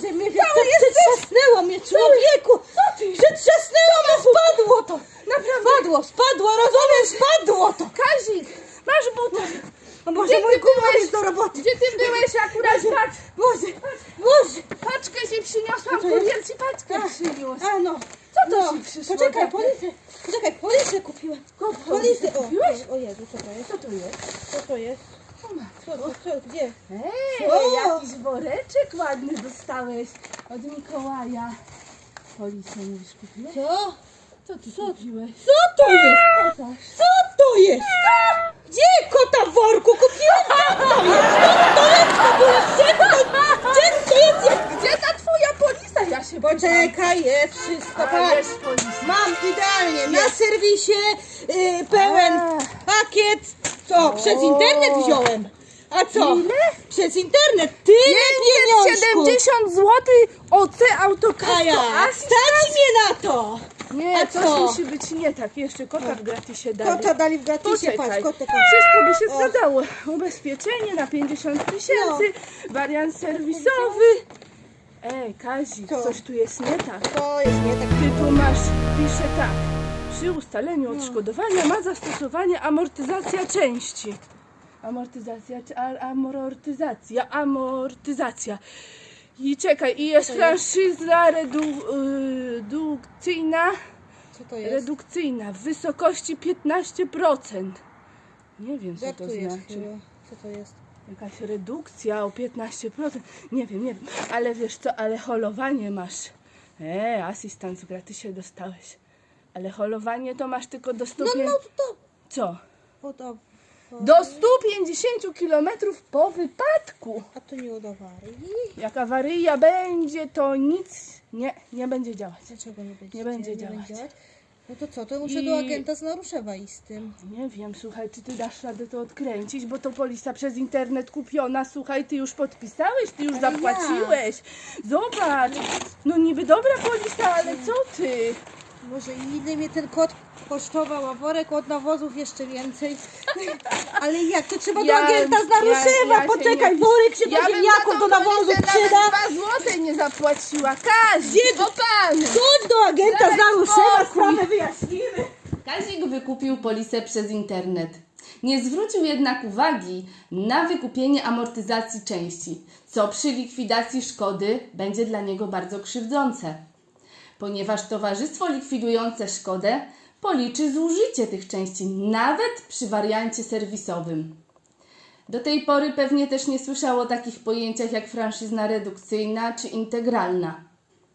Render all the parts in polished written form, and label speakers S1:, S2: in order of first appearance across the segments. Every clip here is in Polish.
S1: Boże, mnie przetrzasnęło mnie, człowieku!
S2: Co ty?
S1: Przetrzasnęło mnie, spadło to!
S2: Naprawdę.
S1: Spadło, rozumiesz? Spadło to!
S2: Kazik, masz buta.
S1: O Boże,
S2: Gdzie
S1: mój
S2: ty
S1: kumar
S2: byłeś?
S1: jest do roboty!
S2: Gdzie ty byłeś akurat? Patrz,
S1: Boże!
S2: paczkę ci przyniosłam,
S1: Co to jest?
S2: kurier ci paczkę przyniósł.
S1: A no!
S2: Co to
S1: No,
S2: ci przyszło?
S1: poczekaj,
S2: takie?
S1: policję kupiłem. Policję,
S2: kupiłeś?
S1: o Jezu, co to jest?
S2: Co to jest?
S1: Co to jest?
S2: O matko.
S1: Co, gdzie?
S2: Ej,
S1: Co?
S2: jakiś woreczek ładny dostałeś od Mikołaja. Policję mówisz, kupiłeś?
S1: Co?
S2: Co ty kupiłeś?
S1: Co to jest?
S2: Pokaż.
S1: Co to jest? Gdzie kota w worku kupiłem? Gdzie to jest?
S2: Gdzie ta twoja polisa? Ja się
S1: Poczekaj, jest wszystko,
S2: A,
S1: patrz.
S2: jest polisa.
S1: Mam idealnie, na serwisie pełen pakiet. Co, przez internet wziąłem. A co?
S2: Ile?
S1: Przez internet, tyle pieniążków.
S2: 70 zł OC Autokasko.
S1: A ja, stać mnie na to.
S2: Nie,
S1: A
S2: coś
S1: co?
S2: musi być nie tak. Jeszcze kota w gratisie dali.
S1: Kota dali w gratisie,
S2: Poczekaj.
S1: patrz, kotek.
S2: Wszystko by się
S1: O.
S2: zgadzało. Ubezpieczenie na 50 000, wariant serwisowy. Ej, Kazik,
S1: Co?
S2: coś tu jest nie tak.
S1: To jest nie tak.
S2: Ty tu masz, pisze tak. Przy ustaleniu odszkodowania ma zastosowanie amortyzacja części. Amortyzacja, czy amortyzacja. I czekaj, i jest
S1: Co to jest?
S2: franszyza redukcyjna.
S1: Co to jest?
S2: Redukcyjna w wysokości 15%. Nie wiem, co
S1: Jak
S2: to
S1: to jest?
S2: znaczy.
S1: Co to jest?
S2: Jakaś redukcja o 15%. Nie wiem. Ale wiesz co, ale holowanie masz. Asystent w gratisie dostałeś. Ale holowanie to masz tylko do 100.
S1: No to.
S2: Co?
S1: O, to.
S2: Do 150 km po wypadku.
S1: A to nie od awarii.
S2: Jak awaryja będzie, to nic nie będzie działać.
S1: Dlaczego nie będzie?
S2: Nie będzie działać.
S1: No to co? To muszę
S2: I-
S1: do agenta z Naruszewa iść z tym.
S2: Nie wiem, słuchaj, czy ty dasz radę to odkręcić, bo to polisa przez internet kupiona, słuchaj, ty już podpisałeś, ty już
S1: Ale
S2: zapłaciłeś. Zobacz, no niby dobra polisa, ale co ty?
S1: Może ile mnie ten kot kosztował, a worek od nawozów jeszcze więcej. Ale jak? To trzeba do agenta z Naruszewa.
S2: ja się
S1: Poczekaj,
S2: nie-
S1: worek się do
S2: Ja bym za
S1: ziemniaków,
S2: tą
S1: do nawozów
S2: polisę
S1: przyda.
S2: nawet 2 złote nie zapłaciła. Kazik, o pan!
S1: Chodź do agenta z
S2: Daj
S1: Naruszewa,
S2: spokój.
S1: sprawę wyjaśnimy.
S3: Kazik wykupił polisę przez internet. Nie zwrócił jednak uwagi na wykupienie amortyzacji części, co przy likwidacji szkody będzie dla niego bardzo krzywdzące, ponieważ towarzystwo likwidujące szkodę policzy zużycie tych części nawet przy wariancie serwisowym. Do tej pory pewnie też nie słyszał o takich pojęciach jak franszyzna redukcyjna czy integralna.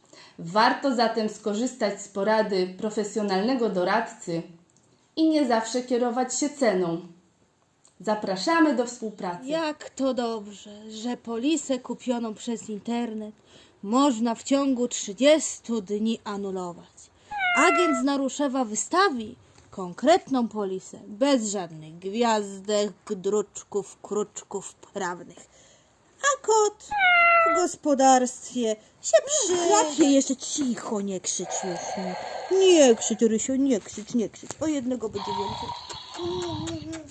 S3: Warto zatem skorzystać z porady profesjonalnego doradcy i nie zawsze kierować się ceną. Zapraszamy do współpracy.
S1: Jak to dobrze, że polisę kupioną przez internet można w ciągu 30 dni anulować. Agent z Naruszewa wystawi konkretną polisę, bez żadnych gwiazdek, druczków, kruczków prawnych. A kot w gospodarstwie się przyjdzie. Jeszcze cicho, nie krzycz już. Nie krzycz, Rysio, nie krzycz. O jednego będzie więcej.